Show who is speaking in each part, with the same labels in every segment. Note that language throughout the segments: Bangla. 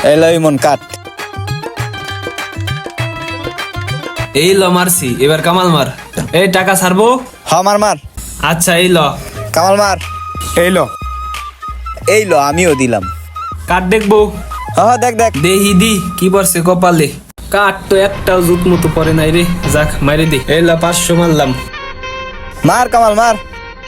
Speaker 1: এলো ইমন কাট।
Speaker 2: এই ল মারছি, এবার কামাল মার। এই টাকা ছাড়বো।
Speaker 1: হ মার মার।
Speaker 2: আচ্ছা এই ল
Speaker 1: কামাল মার। এই লো আমিও দিলাম।
Speaker 2: কাঠ দেখবো।
Speaker 1: হ দেখ দেখ।
Speaker 2: দেহি দি কি পড়ছে কপালে। কাঠ তো একটাও জুত মতো পরে নাই রে। যাক মাইরে দে। এই ল 500 মারলাম।
Speaker 1: মার কামাল মার।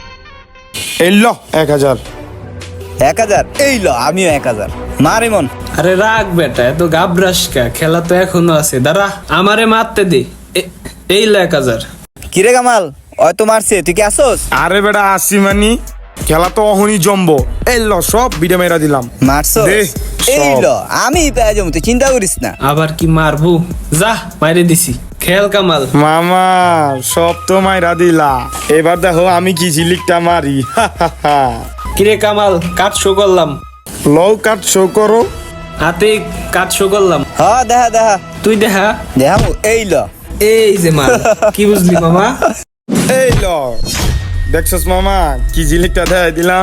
Speaker 3: 1000।
Speaker 1: 1000। এই লো আমিও 1000। মার ইমন।
Speaker 2: আরে রাখ বেটা, এত গাবরাস কা, খেলা তো এখনো আছে। দাঁড়া আমারে মারতে দে। এই ল 1000।
Speaker 1: কিরে কামাল ওই তো মারছে, তুই কি আসোস?
Speaker 3: আরে বেটা আসি মানি, খেলা তো অহনি জম্বো। সব বিডে মেরা দিলাম।
Speaker 1: মারছো?
Speaker 3: দে,
Speaker 1: এই
Speaker 3: সব।
Speaker 1: লো আমি পেয়ে যাবো, তুই চিন্তা করিস না।
Speaker 2: আবার কি মারবো? যা মাইরে দিছি। খেল কামাল।
Speaker 3: মামা সব তো মাইরা দিলা, এবার দেখো আমি কি ঝিলিকটা মারি।
Speaker 2: কিরে কামাল, কাঠ শো করলাম।
Speaker 3: লও কাট শো করো।
Speaker 2: হাতে কাঠ শো করলাম।
Speaker 1: হ দেখা দেখা
Speaker 2: তুই দেখা।
Speaker 1: দেখামু। এই লো
Speaker 2: এই যে মাল, কি বুঝলি মামা?
Speaker 3: এই ল দেখছস মামা কি ঝিলিকটা দেয় দিলাম।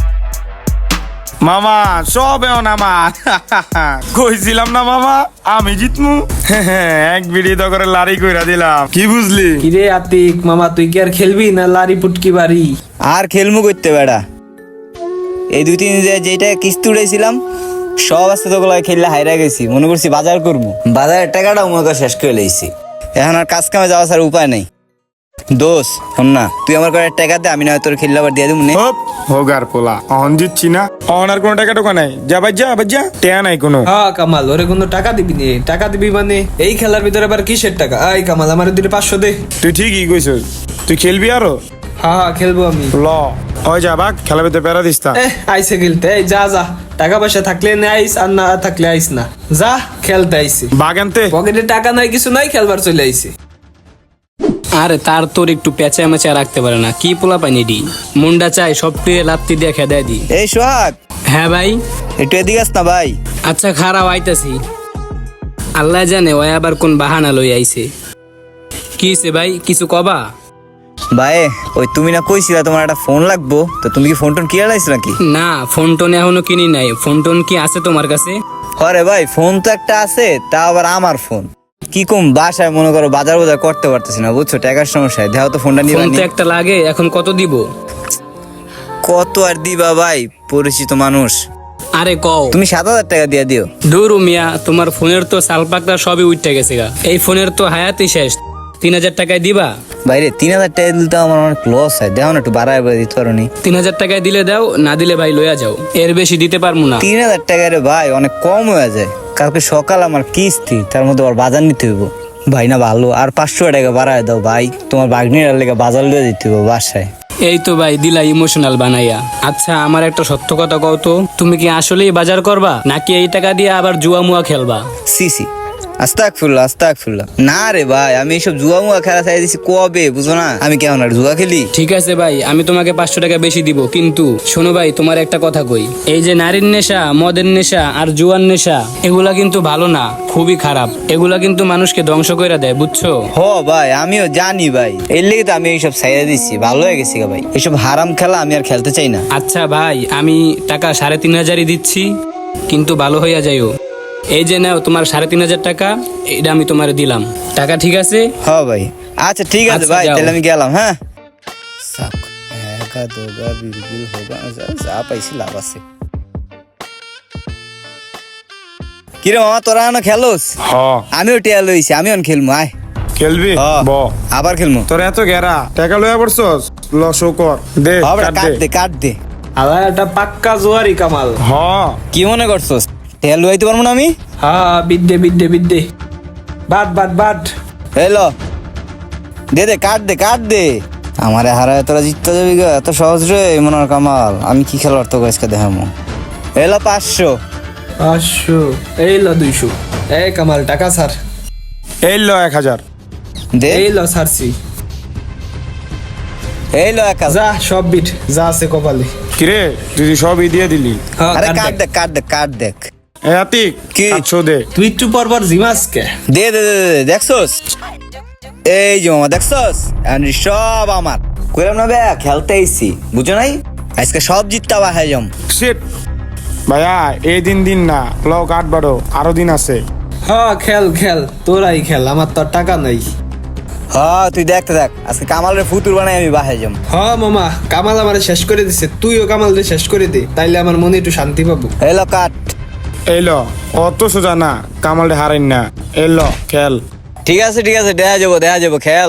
Speaker 3: মামা সব এমন আমার। কইছিলাম না মামা আমি জিতমু। এক বিড়ি তো করে লারি কইরা দিলাম, কি বুঝলি?
Speaker 2: কিরে আতিক মামা, তুই কি আর খেলবি না লারি পুটকি বাড়ি?
Speaker 1: আর খেলমু করতে বেড়া। এই 2-3 দিন যেটা কিস্তি উড়াইছিলাম সব আস্তে তো গুলো খেললে হাইরা গেছি, মনে করছি বাজার করবো, বাজারের টাকাটাও মনে কর শেষ করে লইছি। এখন আর কাজ কামে যাওয়া ছাড়া উপায় নেই। দোষ হন না, তুই আমার করে টাকা দে, আমি না তোর খেললে আবার দিয়ে দেবো।
Speaker 3: হপ হোগার পোলা অহন জিতছি না, অহন আর কোনো টাকা টোকা নাই। যা বাজ্যা বাজ্যা টেয়া নাই কোনো।
Speaker 2: হ্যাঁ কামাল, ওরে কোনো টাকা দিবি নে? টাকা দিবি মানে এই খেলার ভিতরে আবার কিসের টাকা? আই কামাল আমার দিলে 500 দে।
Speaker 3: তুই ঠিকই কইছস, তুই খেলবি আরো।
Speaker 2: হ্যাঁ খেলবো আমি।
Speaker 3: ল ওই যা বাক, খেলা ভিতরে প্যারা দিস তা।
Speaker 2: আইসে খেলতে। এই যা যা, টাকা পয়সা থাকলে নে আইস, আর না থাকলে আইস না। যা খেলতে আইসি।
Speaker 3: বাগ আনতে
Speaker 2: পকেটে টাকা নাই, কিছু নাই, খেলবার চলে আইসি।
Speaker 4: আরে তার তোর একটু পেঁচা মেচা রাখতে পারে না, কি পোলা পাইনি ডি মুন্ডা চাই সব টিরে লাত্তি দিয়ে খেদাই দি।
Speaker 1: এই সোহাগ
Speaker 4: হ্যাঁ ভাই।
Speaker 1: একটু এদিকে আস না ভাই।
Speaker 4: আচ্ছা খারাপ আইতাছি। আল্লাহ জানে ওই আবার কোন বাহানা লই আইছে। কি হইছে ভাই, কিছু কবা?
Speaker 1: ভাই ওই তুমি না কইছিলা তোমার একটা ফোন লাগবো, তো তুমি কি ফোন টোন কিনে লাইছো নাকি?
Speaker 4: না ফোন টোন এখনো কিনি নাই। ফোন টোন কি আছে তোমার কাছে?
Speaker 1: হরে ভাই ফোন তো একটা আছে, তা আবার আমার ফোন। কি কম বাসায় মনে করো বাজার বাজার করতে পারতেছি না, বুঝছো, টাকার সমস্যায়। দেখো তো ফোনটা নিয়ে
Speaker 4: ফোন তো একটা লাগে, এখন কত দিব?
Speaker 1: কত আর দিবা ভাই, পরিচিত মানুষ।
Speaker 4: আরে কও।
Speaker 1: তুমি 7000 টাকা দিয়ে দিও।
Speaker 4: দূরু মিয়া, তোমার ফোনের তো সালপাকটা সবই উঠতে গেছে গা। এই ফোনের তো হায়াতই শেষ। 3000 টাকায় দিবা?
Speaker 1: বাইরে 3000 টাকা দিলে আমার অনেক লস হয়, দেখো না একটু বাড়ায় দিতে পারো নি।
Speaker 4: 3000 টাকায় দিলে দাও, না দিলে ভাই লইয়া যাও, এর বেশি দিতে পারবো না।
Speaker 1: 3000 টাকা রে ভাই অনেক কম হয়ে যায়। কালকে সকাল আমার কিস্তি, তার মধ্যে আবার বাজার নিতে হইব। ভাই না ভালো, আর 500 টাকা বাড়ায় দাও ভাই, তোমার বাগনির লেগে বাজার লিয়ে দিতে হইব বাসায়।
Speaker 4: এই তো ভাই দিলা ইমোশনাল বানাইয়া। আচ্ছা আমার একটা সত্য কথা কও তো, তুমি কি আসলেই বাজার করবা নাকি এই টাকা দিয়ে আবার জুয়া মুয়া খেলবা?
Speaker 1: সিসি আস্তাগফিরুল্লাহ আস্তাগফিরুল্লাহ। না রে ভাই, আমি এইসব জুয়া মুয়া খেলা চাই দিছি কবে, বুঝো না আমি কেমন আর জুয়া খেলি।
Speaker 4: ঠিক আছে ভাই, আমি তোমাকে 500 টাকা বেশি দিব, কিন্তু শোনো ভাই তোমার একটা কথা কই, এই যে নারীর নেশা, মদের নেশা আর জুয়ার নেশা, এগুলা কিন্তু ভালো না, খুবই খারাপ। এগুলা কিন্তু মানুষকে ধ্বংস করে দেয়, বুঝছো?
Speaker 1: হ ভাই আমিও জানি ভাই, এর লেগে তো আমি এইসব ছাইড়া দিচ্ছি, ভালো হয়ে গেছি ভাই। এইসব হারাম খেলা আমি আর খেলতে চাই না।
Speaker 4: আচ্ছা ভাই, আমি টাকা 3500 দিচ্ছি, কিন্তু ভালো হইয়া যাইও। এই যে নাও তোমার 3500 টাকা, এটা আমি তোমার দিলাম। টাকা ঠিক আছে?
Speaker 1: হ ভাই আচ্ছা ঠিক আছে
Speaker 4: আচ্ছা,
Speaker 1: ভাই,
Speaker 4: যাও।
Speaker 1: তাহলে আমি গেলাম। হ্যাঁ একা দোগা বিলবিল হোগা, যা পাইছি লাভ আছে। কিরে মামা তোরা এখনো খেলোস?
Speaker 3: হ
Speaker 1: আমিও টিয়া লইছি, আমিও খেলবো। আয়
Speaker 3: খেলবি ব
Speaker 1: আবার খেলবো।
Speaker 3: তোর এত গেরা টাকা লইয়া পড়ছস, ল শো কর দে
Speaker 1: হবে
Speaker 3: কাট
Speaker 1: কাট
Speaker 3: দে।
Speaker 1: দে কাট দে।
Speaker 2: আবার একটা পাক্কা জোয়ারি কামাল।
Speaker 3: হ
Speaker 1: কি মনে করছস টিয়া লইতে পারবো না আমি?
Speaker 2: হ্যাঁ বিদ্যে বিদ্যে বিদ্যে। But but but.
Speaker 1: এলো দে দে কাট দে কাট দে। আমারে হারায় তোরা জিততে যাবি গা, এত সহজ রে মনোর কামাল। আমি কি খেলোয়াড় তো আজকে দেখামো। এলো 500।
Speaker 2: 500। এই ল 200। এই কামাল টাকা ছাড়।
Speaker 3: এই ল 1000।
Speaker 1: দে
Speaker 2: এই ল ছাড়ছি।
Speaker 1: এলো 1000।
Speaker 2: যা সব বিট যা আছে কপালে।
Speaker 3: কিরে তুই সবই দিয়ে দিলি?
Speaker 2: হ্যাঁ,
Speaker 1: আরে
Speaker 2: কাট
Speaker 1: কাট
Speaker 2: দেখ।
Speaker 1: দে কাট দে কাট দেখ।
Speaker 3: এ আতিক
Speaker 1: কি?
Speaker 3: 800 দে।
Speaker 2: তুই একটু পর পর জিমাস কে?
Speaker 1: দে দে দে দে, দেখছস? এই যে মামা দেখছস, এন্ড সব আমার। কইলাম না বে খেলতে আইছি, বুঝো নাই? আজকে সব জিততে বাহাই যাম।
Speaker 3: শিট ভাইয়া এই দিন না লও কাঠ বাড়ো, আরো দিন আছে।
Speaker 2: হ্যাঁ খেল খেল, তোরাই খেল, আমার তো আর টাকা নাই।
Speaker 1: হ্যাঁ তুই দেখতে দেখ, আজকে কামালের ফুতুর বানাই আমি বাসায় যাম।
Speaker 2: হ্যাঁ মামা, কামাল আমারে শেষ করে দিছে, তুইও কামালরে শেষ করে দে, তাইলে আমার মনে একটু শান্তি পাবো।
Speaker 1: এলো কাট।
Speaker 3: এলো অত সোজা না, কামালটা হারেন না। এলো খেল।
Speaker 1: ঠিক আছে দেখা যাবো খেল।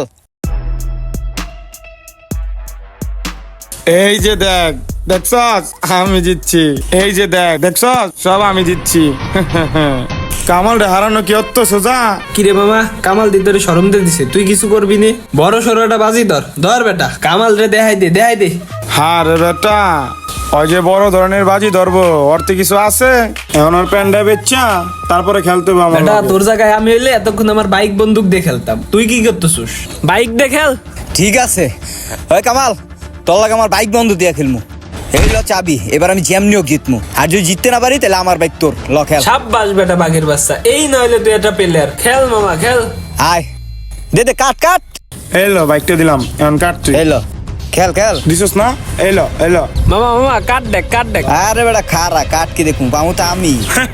Speaker 3: এই যে দেখ, দেখছস আমি জিতছি। এই যে দেখ, দেখছস সব আমি জিতছি। কামালটা হারানো কি অত সোজা?
Speaker 2: কিরে মামা, কামাল দি তোরে শরম দিয়ে দিছে, তুই কিছু করবি নে? বড় সরোটা বাজি ধর বেটা, কামাল রে দেখাই দে।
Speaker 3: হ্যাঁ রে বেটা, ওই যে বড় ধরনের বাজি ধরবো, অর্থে কিছু আছে এখন ওর প্যান্ডা বেচা তারপরে খেলতে হবে আমার
Speaker 2: বেটা
Speaker 3: লগে।
Speaker 2: তোর জায়গায় আমি হইলে এতক্ষণ আমার বাইক বন্দুক দিয়ে খেলতাম, তুই কি করতেছিস? বাইক দিয়ে খেল।
Speaker 1: ঠিক আছে ওই কামাল, তোর লাগে আমার বাইক বন্ধ দিয়া খেলমু। এই ল চাবি, এবার আমি যেমনিও জিতমু, আর যদি জিততে না পারি তাহলে আমার বাইক তোর। ল খেল।
Speaker 2: সাব্বাস বেটা বাঘের বাচ্চা, এই নইলে তুই একটা প্লেয়ার। খেল মামা খেল।
Speaker 1: আয় দে কাট।
Speaker 3: এলো বাইকটা দিলাম, এখন কাট তুই।
Speaker 1: এলো খেল
Speaker 3: দিছস না? এলো
Speaker 2: মামা কাট দেখ।
Speaker 1: আরে বেটা খারা কাট কি দেখুন পামু তো আমি।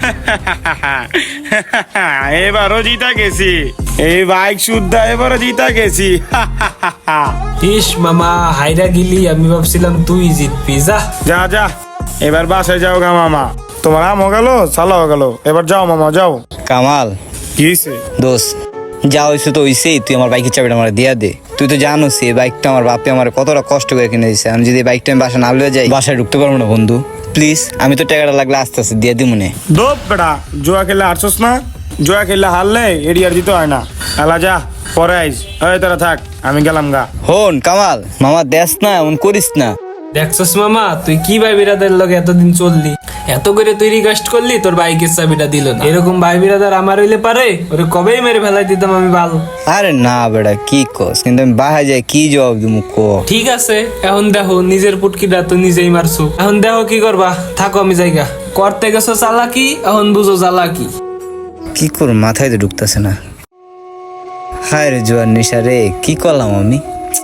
Speaker 3: এবারও জিতা গেছি, এই বাইক শুদ্ধা এবারও জিতা গেছি।
Speaker 2: ইস মামা হাইরা গিলি, আমি ভাবছিলাম তুই জিতবি।
Speaker 3: যা এবার বাসায় যাও গা মামা, তোমার আমও গেল চালাও গেল, এবার যাও মামা যাও।
Speaker 1: কামাল
Speaker 3: কি হইছে?
Speaker 1: দোষ যা হয়েছে তো হইছেই, তুই আমার বাইকের চাবিটা আমার দিয়া দে। তুই তো জানোস এই বাইকটা আমার বাপে আমার কতটা কষ্ট করে কিনে দিয়েছে। আমি যদি এই বাইকটা আমি বাসা না লয়ে যাই, বাসায় ঢুকতে পারবো না বন্ধু। প্লিজ, আমি তো টাকাটা লাগলে আস্তে আস্তে দিয়ে দিই মনে।
Speaker 3: দোপ বেটা, জুয়া খেললে হারছস না? জুয়া খেললে হারলে এডি আর দিতে হয় না। এলা যা, পরে আইস। ওই তোরা থাক, আমি গেলাম গা।
Speaker 1: হন কামাল, মামা দেশ না এমন করিস না।
Speaker 2: দেখছস মামা, তুই কি ভাই বিরাদের লগে এতদিন চললি, এত করে তুই রিকোয়েস্ট করলি, তোর বাইকের চাবিটা দিল না। এরকম ভাই বিরাদার আমার হইলে পারে, ওরে কবেই মেরে ফেলাই দিতাম আমি ভালো।
Speaker 1: আরে না বেটা কি কস, কিন্তু আমি বাসায় যাই কি জবাব দিব কো।
Speaker 2: ঠিক আছে, এখন দেখো নিজের পুটকিটা তো নিজেই মারছো, এখন দেখো কি করবা। থাকো আমি জায়গা করতে গেছো চালাকি, এখন বুঝো চালাকি।
Speaker 1: কি করব মাথায় তো ঢুকতেছে না। হায় রে জুয়ার নেশা রে, কি করলাম আমি।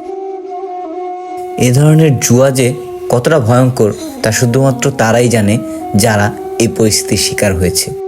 Speaker 1: এ ধরনের জুয়া যে কতটা ভয়ঙ্কর তা শুধুমাত্র তারাই জানে যারা এই পরিস্থিতির শিকার হয়েছে।